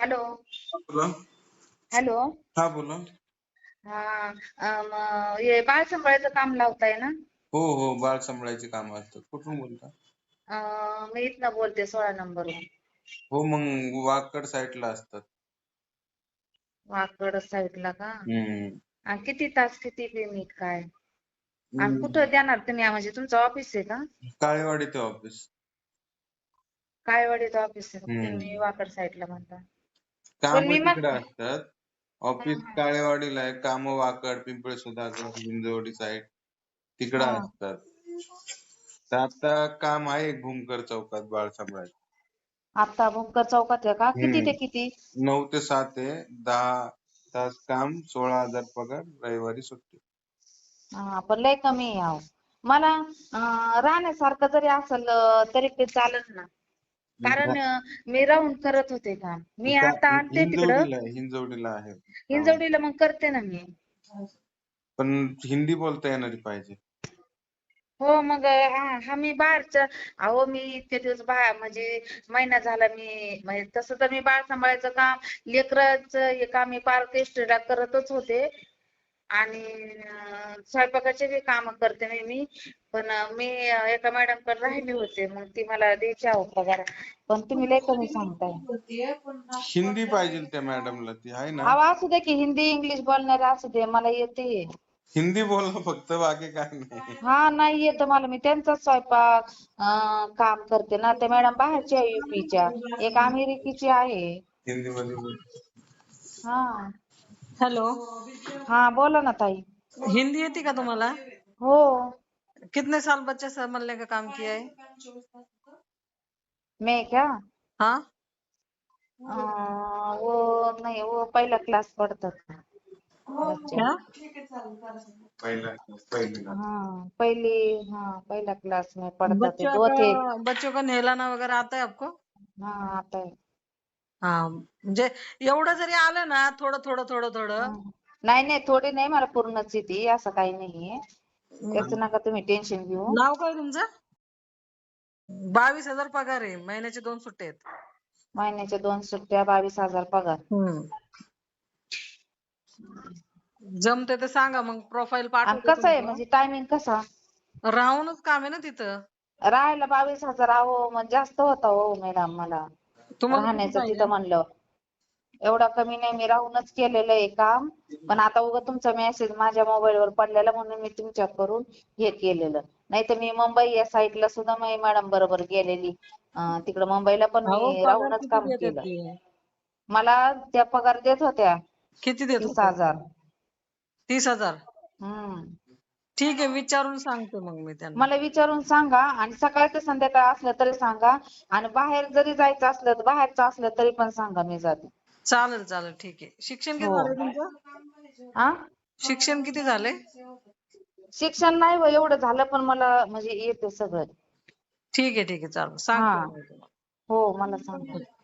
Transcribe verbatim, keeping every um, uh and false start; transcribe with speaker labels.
Speaker 1: Hello.
Speaker 2: बोला.
Speaker 1: Hello.
Speaker 2: हा बोला.
Speaker 1: हा अम, हे बाळ सांभाळायचं काम लावताय ना?
Speaker 2: हो हो बाळ सांभाळायचे काम असतात. कुठून बोलता?
Speaker 1: अं, मी इथनं बोलते सोळा नंबरवरून.
Speaker 2: हो मग वाकड साईडला असतात.
Speaker 1: वाकड साईडला का?
Speaker 2: हम्म
Speaker 1: आणि किती तास किती पेमेंट काय? आणि
Speaker 2: हम्म.
Speaker 1: कुठं देणार तुम्ही म्हणजे तुमचं ऑफिस आहे का?
Speaker 2: काळेवाडी ते ऑफिस.
Speaker 1: काळेवाडीचं ऑफिस आहे का? तुम्ही
Speaker 2: हम्म
Speaker 1: वाकड साईडला म्हणता. पण
Speaker 2: काम
Speaker 1: मी मग
Speaker 2: तिकडे असतात.
Speaker 1: हा
Speaker 2: ऑफिस काळेवाडीला आहे. काम वाकड, पिंपळे सुधागड, हिंजवडी साईड तिकडे
Speaker 1: हा.
Speaker 2: असतात. तर आता काम आहे भूमकर चौकात बाळ सांभाळायचं.
Speaker 1: आता भुमकर चौकात आहे का? किती ते
Speaker 2: हम्म
Speaker 1: किती?
Speaker 2: नऊ ते सात आहे. दहा तास काम, सोळा हजार पगार, रविवारी सुट्टी.
Speaker 1: हा पण लय कमी आहे अहो. मला अं, राहण्यासारखं जरी असेल तरी ते चालेल ना. कारण अं, मी राहून करत होते काम. मी
Speaker 2: का-
Speaker 1: आता आलते तिकडं
Speaker 2: हिंजवडीला आहे, हिंजवडीला आहे काम.
Speaker 1: हिंजवडीला मग करते ना मी.
Speaker 2: पण हिंदी बोलता येणारी पाहिजे.
Speaker 1: हो मग हा हा मी बाहेरचं अहो मी इतके दिवस बाहेर म्हणजे महिना झाला मी म्हणजे तसं तर मी बाळ सांभाळायचं काम लेकराचं हे काम मी पार्क इस्टेटला करतच होते आणि अं, स्वयंपाकाचे बी काम करते मी मी पण अं, मी अं, एका मॅडम कडे राहिले होते मग ती मला द्यायची आहो पगार पण तुम्ही लय कमी सांगताय.
Speaker 2: हिंदी पाहिजे त्या मॅडमला, ती आहे ना.
Speaker 1: अहो असू दे की हिंदी इंग्लिश बोलणारे असू दे मला येते.
Speaker 2: हिंदी बोलणं फक्त, बाकी काय नाही.
Speaker 1: हा नाही येत मला मी त्यांचाच स्वयंपाक अं, काम करते ना ते मॅडम बाहेरच्या आहे युपीच्या एक अमेरिकेची आहे.
Speaker 2: हिंदी मध्ये बोल.
Speaker 1: हा
Speaker 3: हेलो.
Speaker 1: हा बोला ना ताई.
Speaker 3: हिंदी येती का तुम्हाला?
Speaker 1: हो.
Speaker 3: कितने साल बच्चे संभालने का काम किया है?
Speaker 1: मैं क्या
Speaker 3: हाँ
Speaker 1: अं, वो नहीं वो पहला क्लास पढ़ता था बच्चा.
Speaker 3: क्या?
Speaker 2: पहिला पहिली ना.
Speaker 1: हाँ पहली हाँ पहला क्लास में पढ़ता थे
Speaker 3: बच्चों
Speaker 1: दो
Speaker 3: का
Speaker 1: थे.
Speaker 3: बच्चों का नहलाना वगैरह आता है आपको?
Speaker 1: हाँ आता है.
Speaker 3: हा म्हणजे एवढं जरी आलं ना थोडं थोडं थोडं थोडं.
Speaker 1: हाँ. नाही नाही थोडी नाही मला पूर्णच येते असं काही नाहीये त्याचं नका तुम्ही टेन्शन घेऊ.
Speaker 3: नाव काय तुमचं? बावीस हजार पगार आहे, महिन्याचे दोन सुट्टे आहेत.
Speaker 1: महिन्याच्या दोन सुट्ट्या बावीस हजार पगार.
Speaker 3: हम्म. जमते तर सांगा मग प्रोफाईल
Speaker 1: आणि
Speaker 3: पाठवते
Speaker 1: कसं आहे
Speaker 3: तुमचं.
Speaker 1: म्हणजे टायमिंग कसा
Speaker 3: राहूनच काम आहे ना तिथं.
Speaker 1: राहायला बावीस हजार अहो मग जास्त होता हो मॅडम मला
Speaker 3: तुम्हाला किती
Speaker 1: राहण्याचं
Speaker 3: पाहिजे?
Speaker 1: तिथं म्हणलं एवढा कमी नाही मी राहूनच केलेलं आहे काम पण आता उगा तुमचा मेसेज माझ्या मोबाईलवर पडलेला म्हणून मी तुमच्या करून हे केलेलं नाही तर मी मुंबई या साईडला सुद्धा मी मॅडम बरोबर गेलेली तिकडे मुंबईला पण
Speaker 3: अहो
Speaker 1: मी
Speaker 3: पगार
Speaker 1: राहूनच
Speaker 3: किती
Speaker 1: काम
Speaker 3: देतात
Speaker 1: केलं.
Speaker 3: ते?
Speaker 1: मला त्या पगार देत होत्या
Speaker 3: किती देत
Speaker 1: तीस
Speaker 3: होते?
Speaker 1: हजार.
Speaker 3: तीस हजार.
Speaker 1: हम्म.
Speaker 3: ठीक आहे विचारून सांगते मग मी त्यांना.
Speaker 1: मला विचारून सांगा आणि सकाळ ते संध्याकाळ असलं तरी सांगा आणि बाहेर जरी जायचं असलं तर बाहेरचं असलं तरी पण सांगा मी जाते.
Speaker 3: चालेल चालेल ठीक आहे. शिक्षण किती
Speaker 1: हो.
Speaker 3: झालंय तुमचं?
Speaker 1: आ
Speaker 3: शिक्षण किती झालंय?
Speaker 1: शिक्षण नाही हो एवढं झालं पण मला म्हणजे येते सगळं.
Speaker 3: ठीक आहे ठीक आहे चालेल
Speaker 1: हा
Speaker 3: सांगते.
Speaker 1: हो मला सांगा.